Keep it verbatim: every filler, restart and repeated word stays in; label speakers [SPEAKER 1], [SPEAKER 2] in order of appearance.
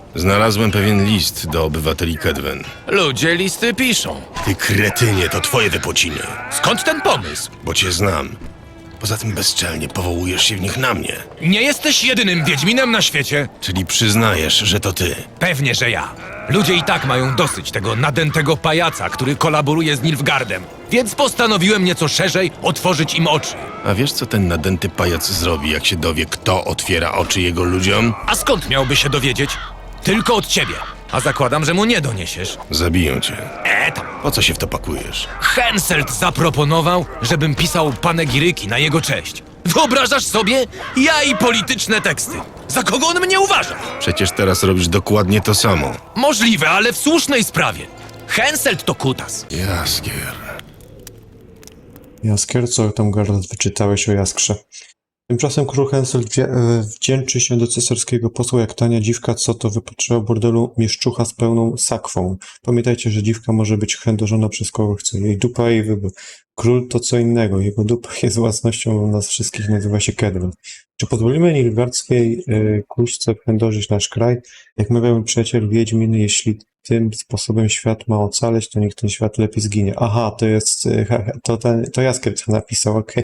[SPEAKER 1] Znalazłem pewien list do obywateli Kedwen.
[SPEAKER 2] Ludzie listy piszą.
[SPEAKER 1] Ty kretynie, to twoje wypociny.
[SPEAKER 2] Skąd ten pomysł?
[SPEAKER 1] Bo cię znam. Poza tym bezczelnie powołujesz się w nich na mnie.
[SPEAKER 2] Nie jesteś jedynym Wiedźminem na świecie.
[SPEAKER 1] Czyli przyznajesz, że to ty.
[SPEAKER 2] Pewnie, że ja. Ludzie i tak mają dosyć tego nadętego pajaca, który kolaboruje z Nilfgaardem. Więc postanowiłem nieco szerzej otworzyć im oczy.
[SPEAKER 1] A wiesz, co ten nadęty pajac zrobi, jak się dowie, kto otwiera oczy jego ludziom?
[SPEAKER 2] A skąd miałby się dowiedzieć? Tylko od ciebie. A zakładam, że mu nie doniesiesz.
[SPEAKER 1] Zabiją cię.
[SPEAKER 2] E tam.
[SPEAKER 1] Po co się w to pakujesz?
[SPEAKER 2] Henselt zaproponował, żebym pisał panegiryki na jego cześć. Wyobrażasz sobie? Ja i polityczne teksty. Za kogo on mnie uważa?
[SPEAKER 1] Przecież teraz robisz dokładnie to samo.
[SPEAKER 2] Możliwe, ale w słusznej sprawie. Henselt to kutas.
[SPEAKER 1] Jaskier.
[SPEAKER 3] Jaskier, co tam Geralt wyczytałeś o Jaskrze? Tymczasem król Henselt wdzie- e, wdzięczy się do cesarskiego posła jak tania dziwka, co to wypatrzyła bordelu mieszczucha z pełną sakwą. Pamiętajcie, że dziwka może być chędożona przez kogo chce. Jej dupa, jej wybór. Król to co innego. Jego dupa jest własnością nas wszystkich, nazywa się Kedwen. Czy pozwolimy nilfgaardzkiej e, kuźce chędożyć nasz kraj? Jak mawiał mój przyjaciel Wiedźmin, jeśli tym sposobem świat ma ocaleć, to niech ten świat lepiej zginie. Aha, to jest, e, to, ten, to Jaskier to napisał, okej.